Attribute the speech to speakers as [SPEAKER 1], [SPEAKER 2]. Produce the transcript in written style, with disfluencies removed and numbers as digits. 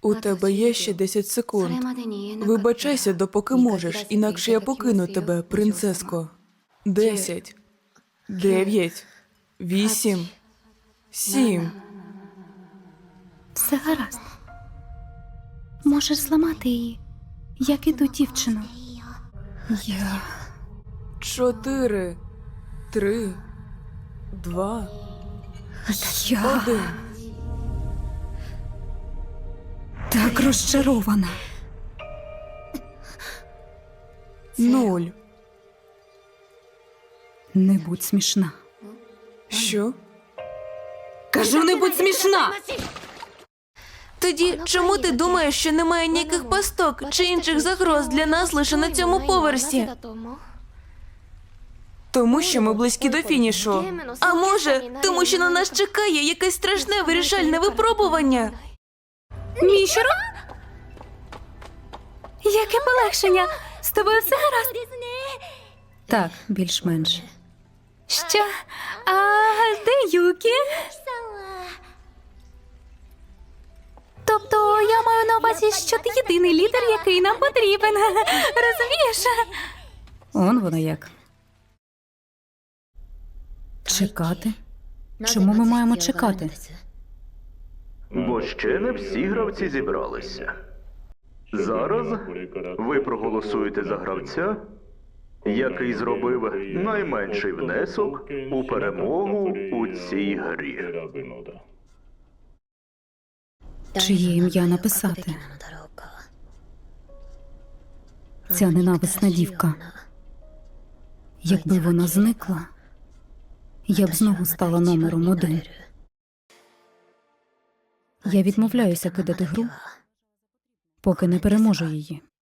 [SPEAKER 1] У тебе є ще 10 секунд. Вибачайся, допоки можеш, інакше я покину тебе, принцеско. 10, 9, 8, 7.
[SPEAKER 2] Все гаразд. Можеш зламати її, як і ту дівчину.
[SPEAKER 1] 4, 3, 2,
[SPEAKER 2] Я
[SPEAKER 1] 1.
[SPEAKER 2] так розчарована.
[SPEAKER 1] 0.
[SPEAKER 2] Не будь смішна.
[SPEAKER 1] Що?
[SPEAKER 2] Кажу, не будь смішна!
[SPEAKER 3] Тоді чому ти думаєш, що немає ніяких пасток чи інших загроз для нас лише на цьому поверсі?
[SPEAKER 1] Тому що ми близькі до фінішу.
[SPEAKER 3] А може, тому що на нас чекає якесь страшне вирішальне випробування?
[SPEAKER 2] Мішеро? Яке полегшення! З тобою все гаразд? Так, більш-менш. Що? А де Юкі? Тобто я маю на увазі, що ти єдиний лідер, який нам потрібен. Розумієш? Он воно як. Чекати? Чому ми маємо чекати?
[SPEAKER 4] Бо ще не всі гравці зібралися. Зараз ви проголосуєте за гравця, який зробив найменший внесок у перемогу у цій грі.
[SPEAKER 2] Чиє ім'я написати? Ця ненависна дівка. Якби вона зникла, я б знову стала номером 1. Я відмовляюся кидати гру, поки не переможу її.